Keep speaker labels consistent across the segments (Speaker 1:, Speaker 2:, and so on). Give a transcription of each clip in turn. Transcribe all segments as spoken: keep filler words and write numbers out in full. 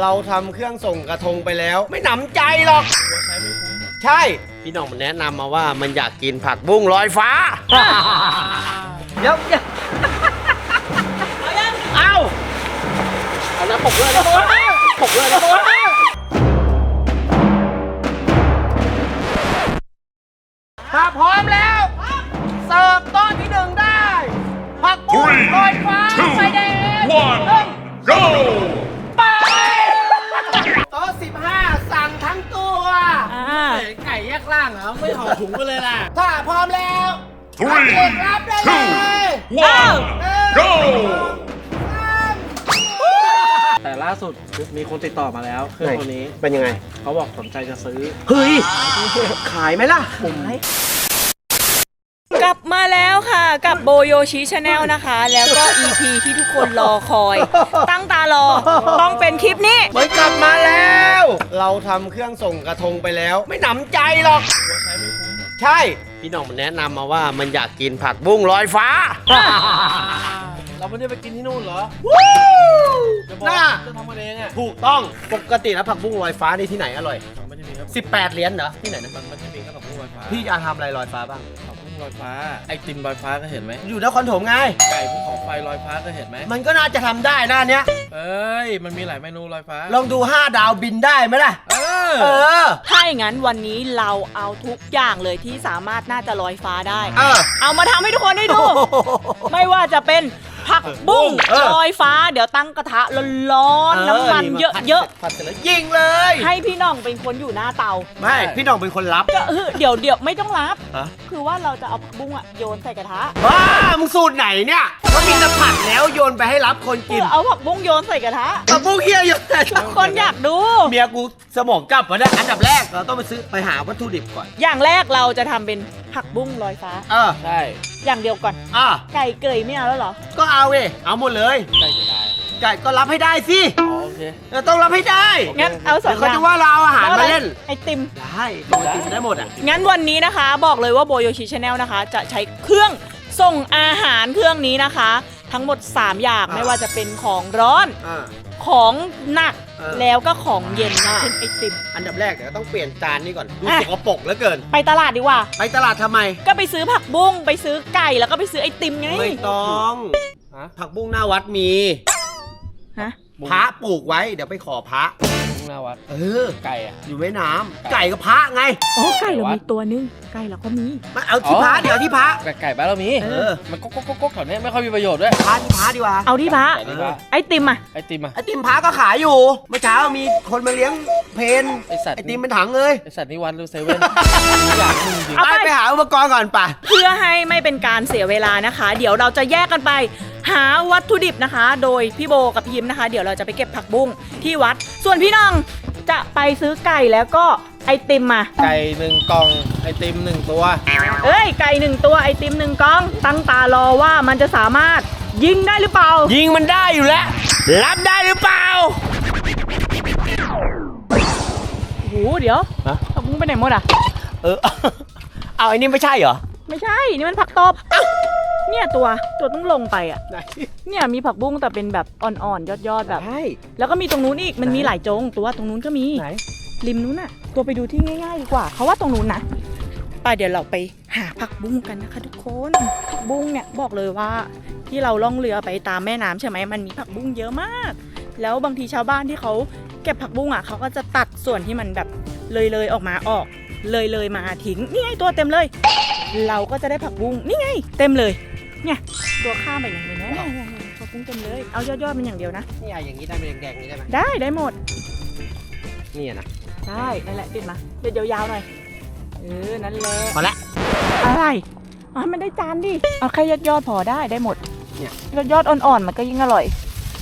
Speaker 1: เราทำเครื่องส่งกระทงไปแล้วไม่หนำใจหรอกใช่พี่น้องมันแนะนำมาว่ามันอยากกินผักบุ้งลอยฟ้าเดี๋ยวเอาเอาน้ำปกเลยนะปกเลยนะถ้าพร้อมแล้วเสิร์ฟโต๊ะที่หนึ่งได้ผักบุ้งลอยฟ้าไฟแดง
Speaker 2: go
Speaker 1: ไปโต๊ะสิบห้าสั่งทั้งตัวไก่แยกล่างเหรอไม่ห่อถุงไปเลยล่ะถ้าพร้อมแล้วเด็กรับได้เลย
Speaker 2: go
Speaker 3: แต่ล่าสุดมีคนติดต่อมาแล้วเครื่องตัวนี้
Speaker 1: เป็นยังไง
Speaker 3: เขาบอกสนใจจะซื้อ
Speaker 1: เฮ้ยขายไหมล่ะ
Speaker 4: กลับมาแล้วค่ะกับโบโยชิชาแนลนะคะแล้วก็ อี พี ที่ทุกคนรอคอยตั้งตารอต้องเป็นคลิปนี้
Speaker 1: เหมือนกลับมาแล้วเราทำเครื่องส่งกระทงไปแล้วไม่หนำใจหรอกใช่พี่น้องมันแนะนำมาว่ามันอยากกินผักบุ้งลอยฟ้า
Speaker 3: เราไม่ได้ไปกินที่นู่นเหรอจะบอกจะทำมาเองอ่ะ
Speaker 1: ถูกต้องปกติแล้วผักบุ้งลอยฟ้านี่ที่ไหนอร่อยสิบแปดเหรียญเหรอที่ไหนนะ
Speaker 3: มันไม่ใช่มีแค่ผักบุ้งลอยฟ้า
Speaker 1: พี่จะทำอะไรลอยฟ้าบ้าง
Speaker 3: ผักบุ้งลอยฟ้าไอติมลอยฟ้าก็เห็นไหม
Speaker 1: อยู่นครถมไง
Speaker 3: ไก่ภูเขาไฟลอยฟ้าก็เห็นไหม
Speaker 1: มันก็น่าจะทำได้หน้าเนี้ย
Speaker 3: เอ้ยมันมีหลายเมนูลอยฟ้า
Speaker 1: ลองดูห้าดาวบินได้ไหมล่ะ
Speaker 3: เออ
Speaker 1: เออ
Speaker 4: ถ้าอย่างนั้นวันนี้เราเอาทุกอย่างเลยที่สามารถน่าจะลอยฟ้าได้
Speaker 1: เออ
Speaker 4: เอามาทำให้ทุกคนได้ดูไม่ว่าจะเป็นผักบุ้งลอยฟ้าเดี๋ยวตั้งกระทะร้อนๆน้ำมันเยอะ
Speaker 1: ๆผัดเสร็จแล้วยิงเลย
Speaker 4: ให้พี่น้องเป็นคนอยู่หน้าเตา
Speaker 1: ไม่พี่น้องเป็นคนรับ
Speaker 4: ก็เดี๋ยวเดี๋ยวไม่ต้องรับคือว่าเราจะเอาผักบุ้งอะโยนใส่กระทะ
Speaker 1: ว้ามึงสูตรไหนเนี่ยก็มีแต่ผัดแล้วโยนไปให้รับคนกิน
Speaker 4: เอาผักบุ้งโยนใส่กระทะ
Speaker 1: ผักบุ้งเฮียโยน
Speaker 4: คนอยากดู
Speaker 1: เมียกูสมองกลับมาได้อันดับแรกเราต้องไปซื้อไปหาวัตถุดิบก่อน
Speaker 4: อย่างแรกเราจะทำเป็นผักบุ้งลอยฟ้า
Speaker 1: เออ
Speaker 3: ใช่
Speaker 4: อย่างเดียวก่อน
Speaker 1: อ่า
Speaker 4: ไก่เกยไม่เอาแล้วเหรอ
Speaker 1: ก็เอาเว้ยเอาหมดเลย
Speaker 3: ไก่จะได้
Speaker 1: ไก่ก็รับให้ได้สิ
Speaker 3: โอเค
Speaker 1: เราต้องรับให้ได้
Speaker 4: งั้นเอาสองอย่าง
Speaker 1: เขาจะว่าเราอาหารมาเล่น
Speaker 4: ไอติม
Speaker 1: ได้ไอติมได้หมดอ่ะ
Speaker 4: งั้นวันนี้นะคะบอกเลยว่าโบโยชิชาแนลนะคะจะใช้เครื่องส่งอาหารเครื่องนี้นะคะทั้งหมดสามอย่างไม่ว่าจะเป็นของร้อนของหนักแล้วก็ของเย็นนะเช่นไอติม
Speaker 1: อันดับแรกเดี๋ยวต้องเปลี่ยนจานนี้ก่อนดูสกปรกเหลือเกิน
Speaker 4: ไปตลาดดีกว่า
Speaker 1: ไปตลาดทำไม
Speaker 4: ก็ไปซื้อผักบุ้งไปซื้อไก่แล้วก็ไปซื้อไอติมไง
Speaker 1: ไม่ต้องผักบุ้งหน้าวัดมี
Speaker 4: ฮะ
Speaker 1: พระปลูกไว้เดี๋ยวไปขอพระ
Speaker 3: หน้าวัด
Speaker 1: เออ
Speaker 3: ไก่อะ
Speaker 1: อยู่แม่น้ำไก่กับพระไง
Speaker 4: อ๋อไก่เรามีตัวนึงไก่เราก็มี
Speaker 1: มาเอาที่พระเดี๋ยวที่พระ
Speaker 3: ไก่บ้านเรามีเออมันก๊กก๊กก๊กแถวนี้ไม่ค่อยมีประโยชน์ด้วย
Speaker 1: พระที่พระดีกว่า
Speaker 4: เอาที่พระไอติมอะ
Speaker 3: ไอติมอะ
Speaker 1: ไอติมพระก็ขายอยู่เมื่อเช้ามีคนมาเลี้ยงเพน
Speaker 3: ไอสัตว์
Speaker 1: ไอติมเป็นถังเลย
Speaker 3: ไอสัตว์นี่วันดูเซเว่นอยากมึงจริง
Speaker 1: ไปไปหาอุปกรณ์ก่อนป่ะ
Speaker 4: เพื่อให้ไม่เป็นการเสียเวลานะคะเดี๋ยวเราจะแยกกันไปหาวัตถุดิบนะคะโดยพี่โบกับพิมนะคะเดี๋ยวเราจะไปเก็บผักบุ้งที่วัดส่วนพี่น้องจะไปซื้อไก่แล้วก็ไอติมมา
Speaker 3: ไก่หนึ่งกล่องไอติมหนึ่งตัว
Speaker 4: เอ้ยไก่หนึ่งตัวไอติมหนึ่งกล่องตั้งตารอว่ามันจะสามารถยิงได้หรือเปล่า
Speaker 1: ยิงมันได้อยู่แล้วรับได้หรือเปล่า
Speaker 4: โอ้โหเดี๋ยวผักบุ้งไปไหนหมดอ่ะ
Speaker 1: เออเอาไอ้นี่ไม่ใช่เหรอ
Speaker 4: ไม่ใช่นี่มันผักตบเนี่ยตัวตัวต้องลงไปอ่ะเนี่ยมีผักบุ้งแต่เป็นแบบอ่อนๆยอดๆแบบแล้วก็มีตรงนู้นอีกมันมีหลายจงตัวตรงนู้นก็มีริมนู้นน่ะตัวไปดูที่ง่ายๆดีกว่าเขาว่าตรงนู้นนะไปเดี๋ยวเราไปหาผักบุ้งกันนะคะทุกคนผักบุ้งเนี่ยบอกเลยว่าที่เราล่องเรือไปตามแม่น้ำใช่ไหมมันมีผักบุ้งเยอะมากแล้วบางทีชาวบ้านที่เขาเก็บผักบุ้งอ่ะเขาก็จะตัดส่วนที่มันแบบเลยๆออกมาออกเลยๆมาทิ้งนี่ไงตัวเต็มเลยเราก็จะได้ผักบุ้งนี่ไงเต็มเลยเนี่ยตัวข้ามไปอย่างนี้นะผักบุ้งเต็มเลยเอายอดๆมันอย่างเดียวนะ
Speaker 1: นี่อย่างนี้ได้เป็นแดงๆนี้ได้ไหม
Speaker 4: ได้ได้หมด
Speaker 1: นี่นะ
Speaker 4: ได้นั่นแหละติดมาเดี๋ยวยาวๆหน่อยเออนั่นแหละ
Speaker 1: พอละ
Speaker 4: อะไรอ๋อมันได้จานดิเอาแค่ยอดๆพอได้ได้หมดเนี่ยยอดอ่อนๆมันก็ยิ่งอร่อย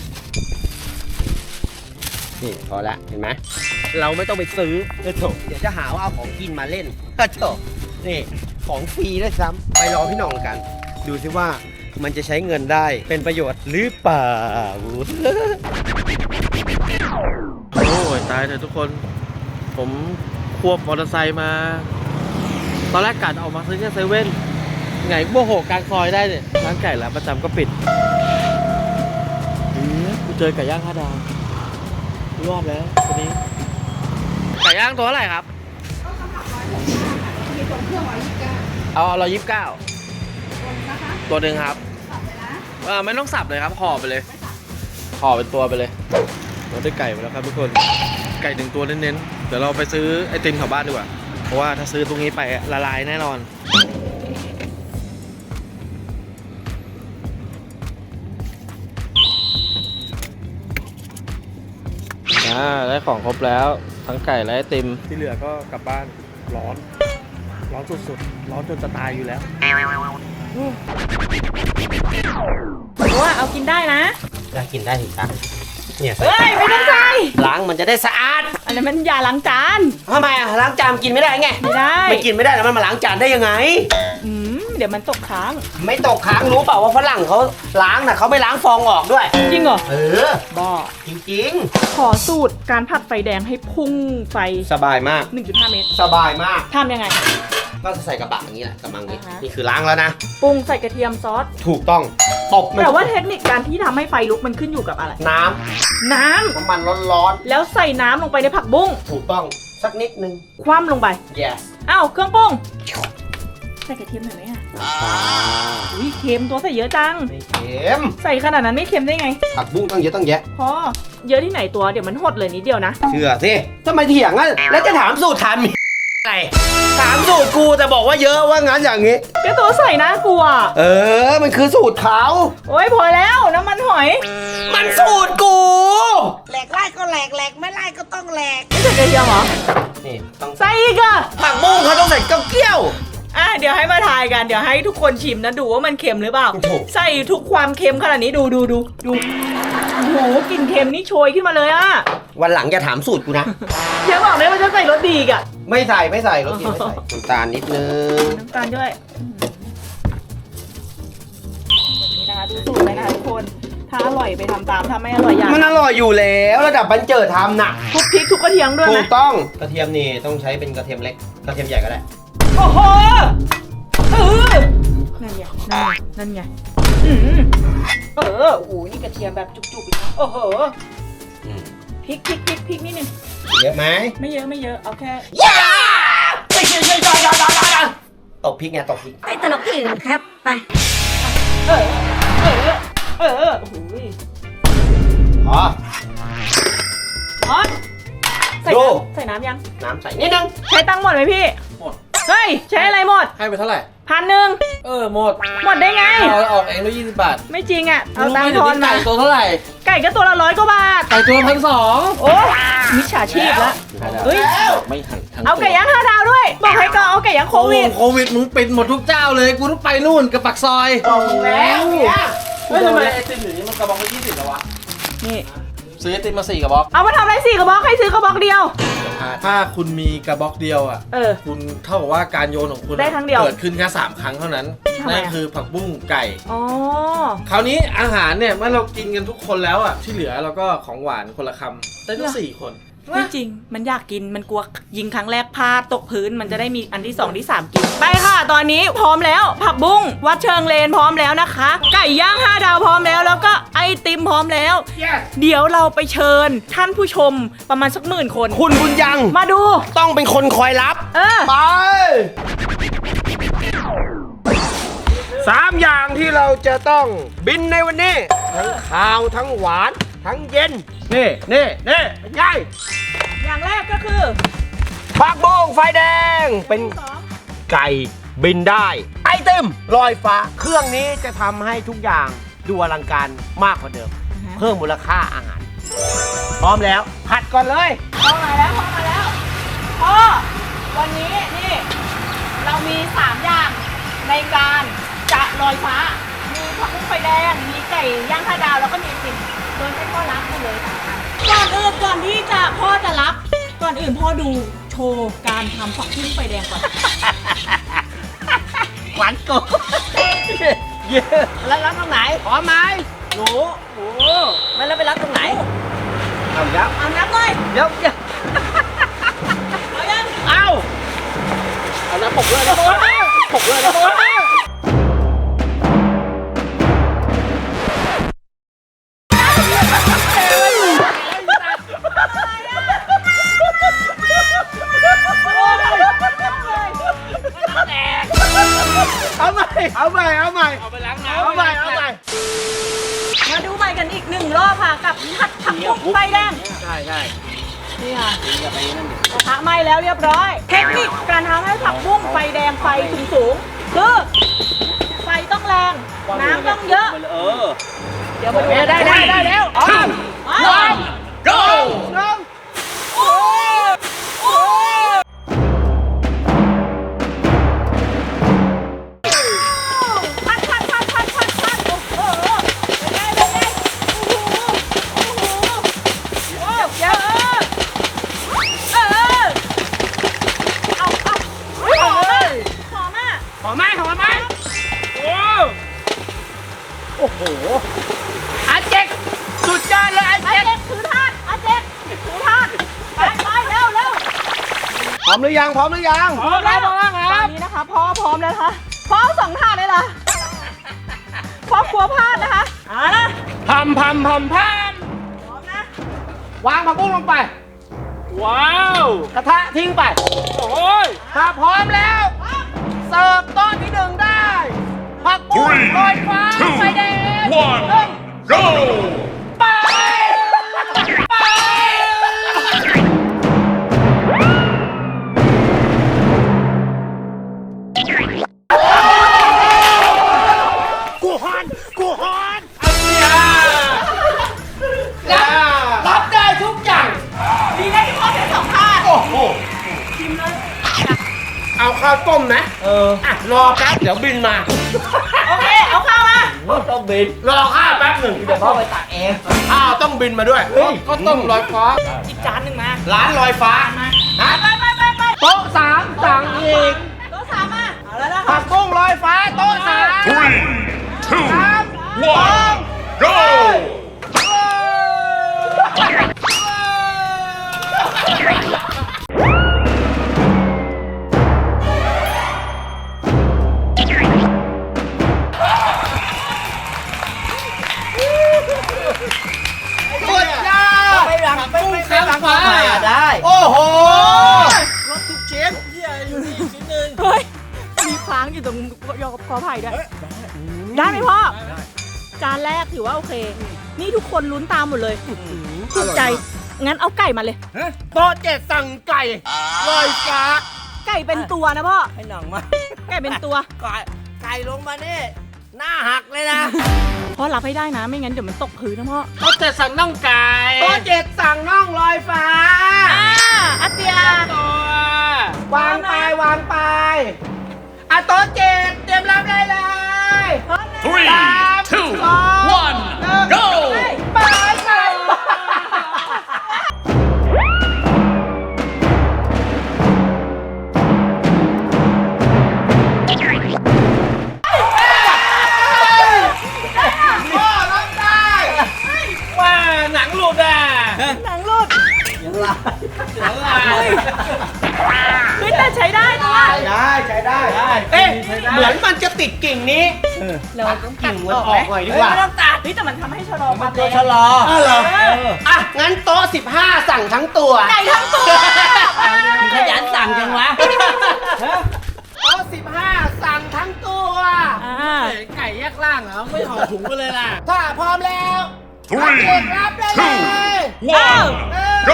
Speaker 1: นี่พอละเห็นไหมเราไม่ต้องไปซื้อเดี๋ยวเดี๋ยวจะหาว่าเอาของกินมาเล่นก็เถอะนี่ของฟรีด้วยซ้ำไปรอพี่น้องกันดูซิว่ามันจะใช้เงินได้เป็นประโยชน์หรือเปล่า
Speaker 3: โอ้ยตายเลยทุกคนผมควบมอเตอร์ไซค์มาตอนแรกกะออกมาซื้อแค่เซเว่นไงโมโหกลางซอยได้เนี่ยร้านไก่ร้านประจำก็ปิดกูเจอไก่ย่างห้าดาวรอบแล้วตัวนี้ไก่ย่างตัวเท่าไหร่ครับเอาเรายี่สิบเก้าตัวหนึ่งครับเออไม่ต้องสับเลยครับห่อไปเลยห่อเป็นตัวไปเลยเราได้ไก่มาแล้วครับทุกคนไก่หนึ่งตัวเน้นๆเดี๋ยวเราไปซื้อไอติมแถวบ้านดีกว่าเพราะว่าถ้าซื้อตรงนี้ไปละลายแน่นอนอ่าได้ของครบแล้วทั้งไก่และไอติมที่เหลือก็กลับบ้านร้อนร้อนสุดๆร้อนจนจะตายอยู่แล้ว
Speaker 4: ว่าเอากินได้นะ
Speaker 1: อยากกินได้ถึงตังเนี่ย
Speaker 4: เฮ้ยไม่ต้องใส่
Speaker 1: ล้างมันจะได้สะอาด
Speaker 4: อันนั้นมันยาล้างจาน
Speaker 1: ทำไมอะล้างจานกินไม่ได้ไง
Speaker 4: ไม่ได้
Speaker 1: ไม่กินไม่ได้แล้วมันมาล้างจานได้ยังไง
Speaker 4: อืมเดี๋ยวมันตกค้าง
Speaker 1: ไม่ตกค้างรู้เปล่าว่าฝรั่งเขาล้างน่ะเขาไม่ล้างฟองออกด้วย
Speaker 4: จริงเหรอ
Speaker 1: เออ
Speaker 4: บ้า
Speaker 1: จริง
Speaker 4: ขอสูตรการผัดไฟแดงให้พุ่งไฟ
Speaker 1: ๆ สบายมาก
Speaker 4: หนึ่งจุดห้า เมตร
Speaker 1: สบายมาก
Speaker 4: ทำยังไง
Speaker 1: ก็ใส่กระบะอย่างนี้แหละกระมังนี้
Speaker 4: อ่าฮะ
Speaker 1: นี่คือล้างแล้วนะ
Speaker 4: ปรุงใส่กระเทียมซอส
Speaker 1: ถูกต้องตบมัน
Speaker 4: แต่ว่าเทคนิคการที่ทำให้ไฟลุกมันขึ้นอยู่กับอะไร
Speaker 1: น้
Speaker 4: น้ำ
Speaker 1: ำน้ำมันร้อน
Speaker 4: แล้วใส่น้ำลงไปในผักบุ้ง
Speaker 1: ๆถูกต้องสักนิดนึง
Speaker 4: คว่ำลงไป
Speaker 1: yes
Speaker 4: อ้าวเครื่องปรุงใส่กระเทียมหน่อยไหมอ่ะ
Speaker 1: น้ำปลา
Speaker 4: อุ้ยเค็มตัวใส่เยอะจัง
Speaker 1: ไม่เค็ม
Speaker 4: ใส่ขนาดนั้นไม่เค็มได้ไง
Speaker 1: ผักบุ้งต้องเยอะต้องแยะ
Speaker 4: พอเยอะที่ไหนตัวเดี๋ยวมันหดเลยนิดเดียวนะ
Speaker 1: เชื่อสิทำไมเถียงอ่ะแล้วจะถามสูตรถามอะไรถามสูตรกูแต่บอกว่าเยอะว่างั้นอย่างนี้
Speaker 4: ก็ตัวใส่น่ากลัว
Speaker 1: เออ มันคือสูตรเขา
Speaker 4: โอ้ยพอแล้วน้ำมันหอย
Speaker 1: มันสูตรกู
Speaker 5: แหลกไล่ก็แหลกแหลกไม่ไล่ก็ต้องแหลก
Speaker 4: ไม่ใส่กระเทียมเหรอ
Speaker 1: นี่ต้อง
Speaker 4: ใส่อีกอะ
Speaker 1: ผักบุ้งเขาต้องใส่เก้าเกี้ยว
Speaker 4: อ่ะเดี๋ยวให้มาทายกันเดี๋ยวให้ทุกคนชิมนะดูว่ามันเค็มหรือเปล่า
Speaker 1: โอ้โห
Speaker 4: ใส่ทุกความเค็มขนาดนี้ดูดูดูดูโอ้โหกลิ่นเค็มนี่โชยขึ้นมาเลยอะ
Speaker 1: วันหลังอย่าถามสูตรกูนะ
Speaker 4: เดี๋ยวบอกเลยว่าจะใส่รสดีอีกอะ
Speaker 1: ไม่ใส่ไม่ใส่รสดีไม่ใส่น้ำตาลนิดนึง
Speaker 4: น้ำตาลด้วยแบบนี้นะคะดูสูตรเลยนะคะทุกคนถ้าอร่อยไปทำตามถ้าไม่อร่อยอย่า
Speaker 1: มันอร่อยอยู่แล้วระดับบันเจิดทำน่ะ
Speaker 4: ทุกพริกทุกกระเทียมด้วย
Speaker 1: ถู
Speaker 4: ไหม
Speaker 1: กต้องกระเทียมนี่ต้องใช้เป็นกระเทียมเล็กกระเทียมใหญ่ก็ได้
Speaker 4: โอ้โหเออนั่นไงนั่นไงนั่นไงอืมเออโอ้โหนี่กระเทียมแบบจุกๆอีกนะโอ้โห
Speaker 1: อืม
Speaker 4: พริกพริกพริกพริกนิดนึง
Speaker 1: เยอะไหม
Speaker 4: ไม่เยอะไม่เยอะเอาแค่
Speaker 1: ย่าไม่ใช่ใช่ใช่ใช่ใช่ตบพริกไงตบพริก
Speaker 5: ไปตลกที่อื่นครับ ไป
Speaker 4: เออเออเออโอ้โห
Speaker 1: อ๋อ
Speaker 4: อ๋อใส่
Speaker 1: ดู
Speaker 4: น้ำใส่น้ำยัง
Speaker 1: น้ำใส่นิดนึง
Speaker 4: ใช้ตังค์หมดไหมพี่
Speaker 3: หมด
Speaker 4: เฮ้ยใช้อะไรหมด
Speaker 3: ให้ไปเท่าไหร่
Speaker 4: พันหนึ่ง
Speaker 3: เออหมด
Speaker 4: หมดได้ไง
Speaker 3: เอาออกเองด้วยยี่สิบบาท
Speaker 4: ไม่จริงอ่ะเอา
Speaker 3: รู้ไห
Speaker 4: ตังค์
Speaker 3: เดี๋
Speaker 4: ท
Speaker 3: ยว
Speaker 4: อน
Speaker 3: นี้
Speaker 4: มา
Speaker 3: ไก่ตัวเท่าไหร่
Speaker 4: ไก่ก็ตัวละร้อยกว่าบาท
Speaker 3: ไก่ตัวพันสอง
Speaker 4: โอ้มิจฉาชีพละเฮ้ย
Speaker 3: ไม่หันทั้ง
Speaker 4: เอาไก่ย่างห้าดาวด้วย บอกให้ก็เอาไก่ย่างโควิด
Speaker 3: โควิดมึงปิดหมดทุกเจ้าเลยกูต้องไปนู่นกับปักซอย
Speaker 1: แล้วเนี่ย
Speaker 3: เฮ้ยทำไมไอติมอยู่นี้มันกระบอกละยี่สิบแล้ววะ
Speaker 4: นี่
Speaker 3: ซื้อไอติมมาสี่กระบอก
Speaker 4: เอามาทำอะไรสี่กระบอกให้ซื้อกระบอกเดียว
Speaker 3: ถ้าคุณมีกระบอกเดียวอ่ะ
Speaker 4: เออ
Speaker 3: คุณเท่ากับว่าการโยนของคุณอะ
Speaker 4: ได้ครั้งเดียว
Speaker 3: เกิดขึ้นแค่สามครั้งเท่านั้น
Speaker 4: ทำไมอะ
Speaker 3: นั่นคือผักบุ้งไก่
Speaker 4: อ๋อ
Speaker 3: คราวนี้อาหารเนี่ยเมื่อเรากินกันทุกคนแล้วอ่ะที่เหลือเราก็ของหวานคนละคำได้ทั้งสี่คน
Speaker 4: ไม่จริง มันอยากกิน มันกลัวยิงครั้งแรกพลาดตกพื้น มันจะได้มีอันที่สองที่สามกิน ไปค่ะ ตอนนี้พร้อมแล้ว ผักบุ้งวัดเชิงเลนพร้อมแล้วนะคะ ไก่ย่างห้าดาวพร้อมแล้ว แล้วก็ไอติมพร้อมแล้ว เดี๋ยวเราไปเชิญท่านผู้ชมประมาณสักหมื่นคน
Speaker 1: คุณบุญยัง
Speaker 4: มาดู
Speaker 1: ต้องเป็นคนคอยรับ
Speaker 4: เออ
Speaker 1: ไปสามอย่างที่เราจะต้องบินในวันนี้ ทั้งข้าวทั้งหวาน ทั้งเย็น นี่นี่นี่เป็นไง
Speaker 4: อย่างแรกก็คือ
Speaker 1: ผักบุ้งไฟแดง เป็น
Speaker 4: สอง
Speaker 1: ไก่บินได้ ไอติมลอยฟ้า เครื่องนี้จะทำให้ทุกอย่างดูอลังการมากกว่าเดิม เพิ่มมูลค่าอาหาร พร้อมแล้ว ผัดก่อนเลย
Speaker 4: พ่อมาแล้วพ่อมาแล้วพ่อวันนี้นี่เรามีสามอย่างในการจะลอยฟ้า มีผักบุ้งไฟแดง มีไก่ย่างห้าดาวแล้วก็มีไอติมโดยให้พ่อรับไปเลยสามอันก่อนอื่นก่อนที่จะพ่อจะรับ ก่อนอื่นพ่อดูโชว์การทำผักบุ้งไฟแดงก่อน
Speaker 1: หวานโกเยอะแล้วรับตรงไหนพร้อมไหมหนูหนูไม่แล้วไปรับตรงไหนเอาแล้ว
Speaker 4: เอานับหน่อย
Speaker 1: เดี๋ยวเดี๋ยว
Speaker 4: เอายัง
Speaker 1: เอา
Speaker 3: เอาน้ำปกเลยนะ
Speaker 1: ปกเลยนะ
Speaker 4: เบุ้งไฟแดง
Speaker 1: ใช่ใช่
Speaker 4: นี่ค่ะกระทะไหม้แล้วเรียบร้อย เทคนิคการทำให้ผักบุ้งไฟแดงไฟสูงสูงๆคือไฟต้องแรง น้ำต้องเยอะ
Speaker 1: เออ
Speaker 4: เดี๋ยวมาดู
Speaker 1: ได้ได้ได้แล้ว
Speaker 4: อ๋ออ๋อ
Speaker 2: Go!
Speaker 4: โอ้โอ้พัดพัดพัดพัดพัดพัดโอ้โหเป็นไงเป็นไงโอ้โหโอ้โหโอ้เยอะเออเอาเอาหอมอ่ะหอมอ่ะ
Speaker 1: หอมไหมหอมไหมโอ้โอ้โหอาเจ๊กสุดยอดเลยอา
Speaker 4: อา
Speaker 1: เจ๊ก
Speaker 4: เจ็กถือทาดอาเจ็กถือทาดไปไปเร็วเร็ว
Speaker 1: พร้อมหรือยังพร้อมหรือยัง
Speaker 4: พร้อมแล้วตอนนี้นะคะพ่อพร้อมแล้วนะคะพ่อเอาสองถาดเลยเหรอพ่อกลัวพลาดนะคะเอาละ
Speaker 1: พัมพัมพัมพัม
Speaker 4: พร้อมนะ
Speaker 1: วางผักบุ้งลงไป ว้าวกระทะทิ้งไปโอ้ยถ้าพร้อมแล้วเสิร์ฟโต๊ะที่หนึ่งได้ผักบุ้ง
Speaker 2: Three,
Speaker 1: ลอยฟ้า
Speaker 2: two,
Speaker 1: ไฟแดง
Speaker 2: one, go!
Speaker 1: ไปไปกูฮอนกูฮอนรับได้ทุกอย่าง
Speaker 4: ดีนะที่พ่อเสียสองถาด
Speaker 1: โอ้โหเอาข้าวต้มนะ เออ อ่ะ รอแป๊บ เดี๋ยวบินมา
Speaker 4: โอเคเอาข้าวมา
Speaker 1: ต้องบิน รอข้าวแป๊บหนึ่งเดี๋ยวพ่อไปตักเองข้าวต้องบินมาด้วยก็ต้มลอยฟ้า
Speaker 4: อีกจานหนึ่งมา
Speaker 1: ร้านลอยฟ้าฮะ
Speaker 4: ไปไปไปไป
Speaker 1: โต๊ะสามสั่งอีก
Speaker 4: โต๊ะสามมาเอาแล้วนะ
Speaker 1: ผั
Speaker 4: คะ
Speaker 1: กบุ้งลอยฟ้าโต๊ะสาม
Speaker 2: Three, two, one, go!
Speaker 1: สุดยอดไปหลังไปไปไปหลังฟ้าได้ โอ้โหรถทุกชิ้น
Speaker 4: เฮ้ยมีค้างอยู่ตรงยอกคอไผ่ด้วยได้ไหมพ่อจานแรกถือว่าโอเค นี่ทุกคนลุ้นตามหมดเลยถูกใจงั้นเอาไก่มาเลย
Speaker 1: โต๊ะเจ็ดสั่งไก่ลอยฟ้า
Speaker 4: ไก่เป็นตัวนะพ่อ
Speaker 1: ให้หนังมา
Speaker 4: ไก่เป็นตัว
Speaker 1: ไก่ไก่ลงมานี่หน้าหักเลยนะ
Speaker 4: พ่อรับให้ได้นะไม่งั้นเดี๋ยวมันตกพื้นนะพ่อ
Speaker 1: โต๊ะเจ็ดสั่งน่องไก่โต๊ะเจ็ดสั่งน่องลอยฟ้า
Speaker 4: อ่าอาเตีย
Speaker 1: วางไปวางไปอ่ะโต๊ะเจ็ดเตรียมรับได้เลย
Speaker 2: Three, two, one, go!
Speaker 1: ไปไปพ่อรับได้ว่าหนังหลุดอ่ะ
Speaker 4: หนังหลุด
Speaker 1: ยังลายยังลาย
Speaker 4: เฮ้ยเฮ้ยแต่ใช้ได้ตัว
Speaker 1: ได้ใช้ได้เอ๊ะเหมือนมันจะติดกิ่งนี้
Speaker 4: เราต้อง
Speaker 1: กิ่งมันออกหน่อยดีกว่า
Speaker 4: ไม่ต้องตัดเฮ้ยแต่มันทำให้ชะลอความ
Speaker 1: ตัว
Speaker 4: แรง
Speaker 1: ชะลออ้าวเหรออ่ะ งั้นโต๊ะสิบห้าสั่งทั้งตัว
Speaker 4: ไก่ทั้งตัว
Speaker 1: ขยันสั่งจังวะโต๊ะสิบห้าสั่งทั้งตัว
Speaker 4: อ่า
Speaker 1: ไก่แยกล่างเหรอ ไม่ห่อถุงไปเลยล่ะ ถ้าพร้อมแล้ว
Speaker 2: Three,
Speaker 1: เด็กรับได้เลย
Speaker 2: two, one, go!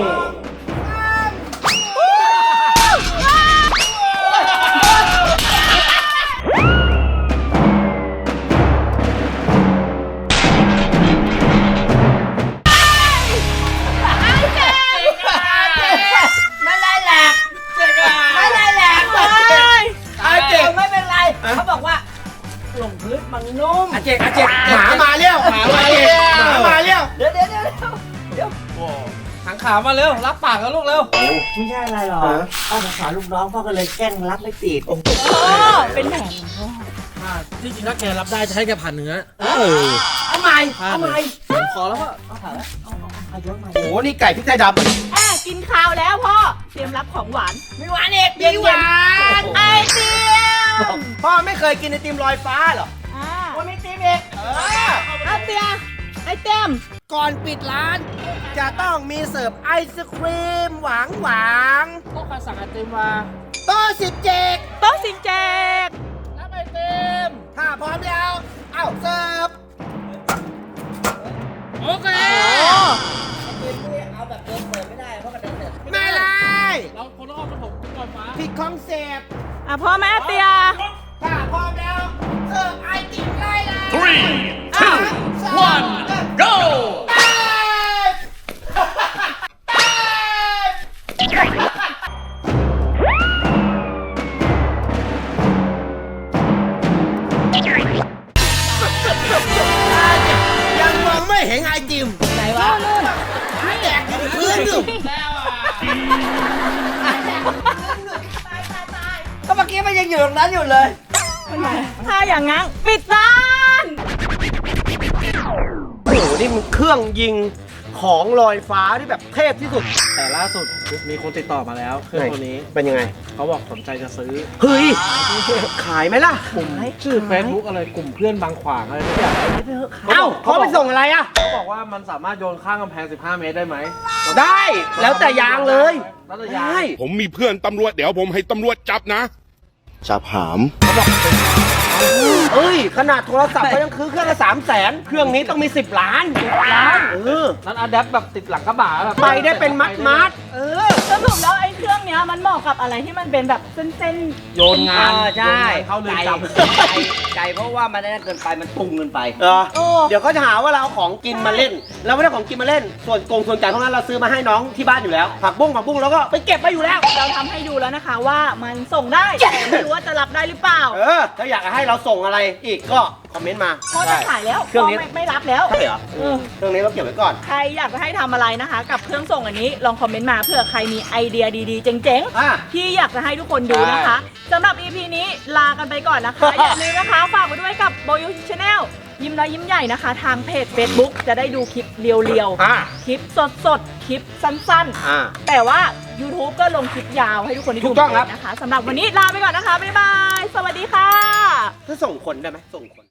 Speaker 5: ไม่ไล่แหลกไม่ไล่แหลกเลย
Speaker 1: อาเจก
Speaker 5: ไม่เป็นไรเขาบอกว่าลงพื้นมันนุ่ม
Speaker 1: อาเจกอาเจกหมามาเร็วหมามาเร็วหมามาเร็ว
Speaker 5: เดี๋ยวเดี๋ยวเดี๋ยวเดี๋ยว
Speaker 3: หางขามาเร็ว รับปากแล้วลูกเร็ว
Speaker 5: ไม่ใช่อะไรหรอกพ่อสงสารลูกน้องพ่อก็เลยแกล้งรับไม่ติด
Speaker 4: โอ้เป็นแผนของพ่อ
Speaker 3: ที่จริงถ้าแกรับได้จะให้แกผ่านเนื้อ
Speaker 5: เอาใหม่เอาใหม่
Speaker 3: ขอแล้วก็
Speaker 5: เอาผ่านแล้วเอาเอาเอายกใหม่
Speaker 1: โอ้โห นี่ไก่พริกไทยดำ
Speaker 4: แอบกินข้าวแล้วพ่อ เตรียมรับของหวาน
Speaker 5: มีหวานเอก
Speaker 1: มีหวาน
Speaker 4: ไอเตียม
Speaker 1: พ่อไม่เคยกินไอติมลอยฟ้าเหรอ
Speaker 4: อ่า
Speaker 1: ว่าไม่ติมเอกเออ
Speaker 4: ไอเตียไอเตียม
Speaker 1: ก่อนปิดร้าน จะต้องมีเสิร์ฟไอศครีมหวานหวาน
Speaker 3: ก็ใครสั่งไอติมมา
Speaker 1: โต๊ะสิบเจ็ด
Speaker 4: โต๊ะสิงแจก
Speaker 3: รับไอติม
Speaker 1: ถ้าพร้อมแล้ว เอ้าเสิร์ฟ
Speaker 3: โอเค
Speaker 4: โอ้พ่อแม่เตีย
Speaker 5: ถ้าพร้อมแล้วเสิร์ฟไอติมได้เลย
Speaker 2: three, two, one, go!
Speaker 1: ยังมองไม่เห็นไอติม
Speaker 4: ไหนวะนู่น
Speaker 1: แจกอยู่พื้นอยู่ก็เมื่อกี้มันยังอยู่ตรงนั้นอยู่เลย
Speaker 4: ถ้าอย่างงั้นปิดร้าน
Speaker 1: โอ้โห นี่มันเครื่องยิงของลอยฟ้าที่แบบเทพที่สุด
Speaker 3: แต่ล่าสุดมีคนติดต่อมาแล้วเครื่องตัวนี้
Speaker 1: เป็นยังไง
Speaker 3: เขาบอกสนใจจะซื้อ
Speaker 1: เฮ้ย ขายไหมล่ะ
Speaker 3: กลุ่มชื่อ Facebook อะไรกลุ่มเพื่อนบางขวางอะไรทุกอย่าง
Speaker 1: เอ้าเขาไปส่งอะไรอ่ะ
Speaker 3: เขาบอกว่ามันสามารถโยนข้ามกำแพงสิบห้าเมตรได้ไหม
Speaker 1: ได้ แล้วแต่ยางเลย
Speaker 3: แล้วแต่ยาง
Speaker 1: ได้
Speaker 6: ผมมีเพื่อนตำรวจเดี๋ยวผมให้ตำรวจจับนะ จับหาม
Speaker 1: เอ้ย ขนาดโทรศัพท์เขายังคือเครื่องละสามแสนเครื่องนี้ต้องมีสิบล้านล้าน เออ
Speaker 3: นั้นอะแดปแบบติดหลังกระบะแบบ
Speaker 1: ไปได้เป็นมัดมัดๆเออ
Speaker 4: สรุปแล้วไอ้เครื่องเนี้ยมันเหมาะกับอะไรที่มันเป็นแบบเส้น
Speaker 3: โยนงาน
Speaker 5: เออใช่
Speaker 3: โยนงานเข้าเรือนจำ
Speaker 5: ไก่ไก่เพราะว่ามันได้เกินไปมันปรุงเกินไป
Speaker 1: เออ
Speaker 4: ๆโอ้
Speaker 1: เดี๋ยวเขาจะหาว่าเราเอาของกินมาเล่น เราไม่ได้ของกินมาเล่น ส่วนกงส่วนจ่ายพวกนั้นเราซื้อมาให้น้องที่บ้านอยู่แล้ว ผักบุ้งผักบุ้งแล้วก็ไปเก็บไว้อยู่แล้ว
Speaker 4: เราทำให้ดูแล้วนะคะว่ามันส่งได้แต่ไม่รู้ว่าจะรับได้หรือเปล่า
Speaker 1: เออ ถ้าอยากให้เราส่งอะไรอีกก็คอมเมนต์มา
Speaker 4: เพราะจะขายแล้ว
Speaker 1: เครื่องนี้
Speaker 4: ไม่ไม่รับแล้ว
Speaker 1: ใช่เหรอ
Speaker 4: เออ
Speaker 1: เครื่องนี้เราเก็บไว้ก่อน
Speaker 4: ใครอยากจะให้ทำอะไรนะคะ กับเครื่องส่งอันนี้ลองคอมเมนต์มาเผื่อใครมีไอเดียดีๆ เจ๋ง
Speaker 1: อ่ะ
Speaker 4: ๆ ที่อยากจะให้ทุกคนดูนะคะสำหรับ อี พี นี้ลากันไปก่อนนะคะ อย่าลืมนะคะ ฝากไว้ด้วยกับโบยูชาแนลยิ้มน้อยยิ้มใหญ่นะคะ ทางเพจ Facebook จะได้ดูคลิปเรียว
Speaker 1: อ่ะ
Speaker 4: ๆ คลิปสดๆ คลิปสั้น
Speaker 1: อ่า
Speaker 4: ๆ แต่ว่า YouTube ก็ลงคลิปยาวให้ทุกคนได้
Speaker 1: ถู
Speaker 4: ดู
Speaker 1: กต้องครับ
Speaker 4: นะคะสำหรับวันนี้ลาไปก่อนนะคะบ๊ายบายสวัสดีค่ะ
Speaker 1: ถ้าส่งคนได้ไหมส่งคน